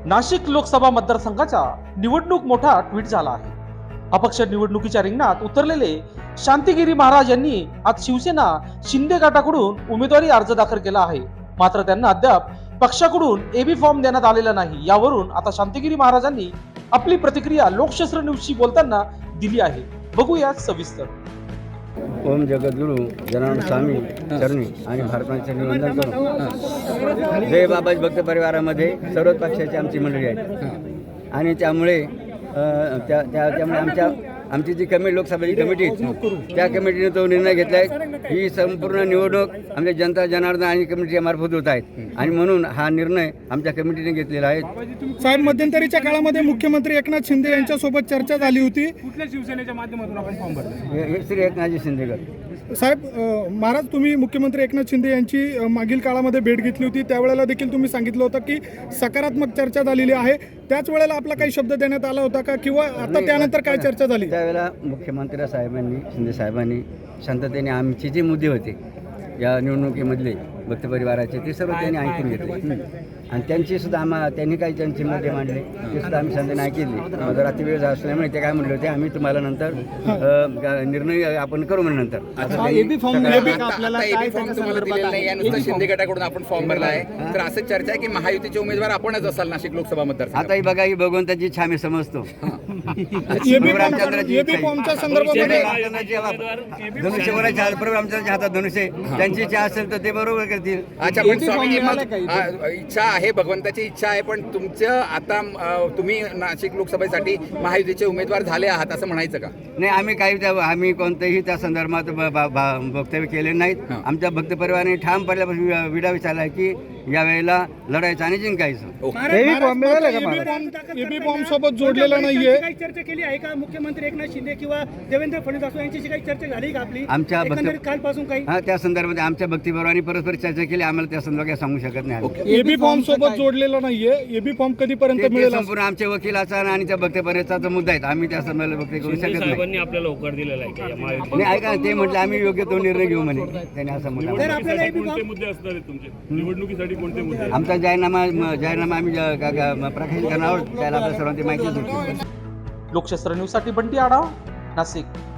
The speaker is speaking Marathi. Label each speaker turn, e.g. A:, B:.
A: नाशिक लोकसभा मतदारसंघाचा निवडणूक मोठा ट्विट झाला आहे। अपक्ष निवडणुकीच्या रिंगणात उतरलेले शांतिगिरी महाराज यांनी आज शिवसेना शिंदे गटाकडून उमेदवारी अर्ज दाखल केला आहे। मात्र त्यांना अद्याप पक्षाकडून एबी फॉर्म देण्यात आलेला नाही। यावरून आता शांतिगिरी महाराजांनी आपली प्रतिक्रिया लोकशास्त्र न्यूजशी बोलताना दिली आहे। बघूया सविस्तर।
B: ओम जगद्गुरु जनार्दन स्वामी चरणी आणि भारताचे निवंदन करून जय बाबाजी भक्त परिवारामध्ये सर्वच पक्षाची आमची मंडळी आहे आणि त्यामुळे त्यामुळे आमची जी लोकसभेची कमिटी त्या कमिटीने तो निर्णय घेतला आहे। ही संपूर्ण निवडणूक आमच्या जनता जनार्दन आणि कमिटीच्या मार्फत होत आहेत आणि म्हणून हा निर्णय आमच्या कमिटीने घेतलेला आहे।
C: साहेब, मध्यंतरीच्या काळामध्ये मुख्यमंत्री एकनाथ शिंदे यांच्यासोबत चर्चा झाली होती।
D: कुठल्या शिवसेनेच्या माध्यमातून आपण फॉर्म भरला?
B: श्री एकनाथजी शिंदेगड
C: साहेब, महाराज तुम्ही मुख्यमंत्री एकनाथ शिंदे यांची मागील काळामध्ये भेट घेतली होती, त्यावेळेला देखील तुम्ही सांगितलं होतं की सकारात्मक चर्चा झालेली आहे। त्याच वेळेला आपला काही शब्द देण्यात आला होता का, किंवा आता त्यानंतर काय चर्चा झाली?
B: त्यावेळेला मुख्यमंत्री साहेबांनी शिंदे साहेबांनी शांततेने आमचे जे मुद्दे होते या निवडणुकीमधले भक्त परिवाराचे ते सर्व त्यांनी ऐकून घेतले आणि त्यांनी काही त्यांचे मुद्दे मांडले ते सुद्धा आम्ही शांततेने ऐकले। जर अति वेळ असल्यामुळे ते काय म्हणले होते, आम्ही तुम्हाला नंतर निर्णय आपण करू म्हणजे नंतर
E: शिंदे गटाकडून आपण फॉर्म भरला आहे। तर असं चर्चा आहे की महायुतीचे उमेदवार आपणच असाल नाशिक लोकसभा मतदार।
B: आता ही बघा, ही भगवंताची इच्छा आम्ही समजतो। धनुष्यवराच्या आमच्या हातात धनुष्य, त्यांची इच्छा असेल तर ते बरोबर करतील।
E: अच्छा, पण स्वामी इच्छा आहे, भगवंताची इच्छा आहे, पण तुमचं आता तुम्ही नाशिक लोकसभेसाठी महायुतीचे उमेदवार झाले आहात असं म्हणायचं का?
B: नाही, आम्ही कोणतेही त्या संदर्भात वक्तव्य केले नाहीत। आमच्या भक्त परिवाराने ठाम पडल्यापासून विडा विचारला की यावेळेला लढायचं आणि जिंकायचं।
C: एबी फॉर्म सोबत जोडलेला नाहीये।
D: काही चर्चा केली आहे का मुख्यमंत्री एकनाथ शिंदे किंवा देवेंद्र फडणवीस यांच्याशी काही चर्चा झाली का आपली
B: आमच्या
D: कालपासून? काही
B: त्या संदर्भात आमच्या भक्तीपरिवाराने परस्पर चर्चा केली। आम्हाला त्या संदर्भात काही सांगू शकत नाही।
C: एबी फॉर्म सोबत जोडलेला नाहीये। एबी फॉर्म कधीपर्यंत मिळेल?
B: संपूर्ण आमच्या वकिलाचा आणि त्या भक्तपरिवाराचा मुद्दा आहे। आम्ही त्या संदर्भात वक्तव्य करू शकत नाही।
D: आपल्याला होकार दिलेला आहे
B: नाही, ऐका, ते म्हटलं आम्ही योग्य तो निर्णय घेऊ म्हणे त्यांनी असं म्हटलं।
D: मुद्दे असणार आहेत तुमचे निवडणुकीसाठी? कोणते मुद्दे?
B: आमचा जाहीरनामा आम्ही प्रकाशित करणार आहोत, त्याला आपल्या सर्वांची माहिती देऊ।
A: लोकशास्त्र न्यूज साठी बंटी आढाव, नाशिक।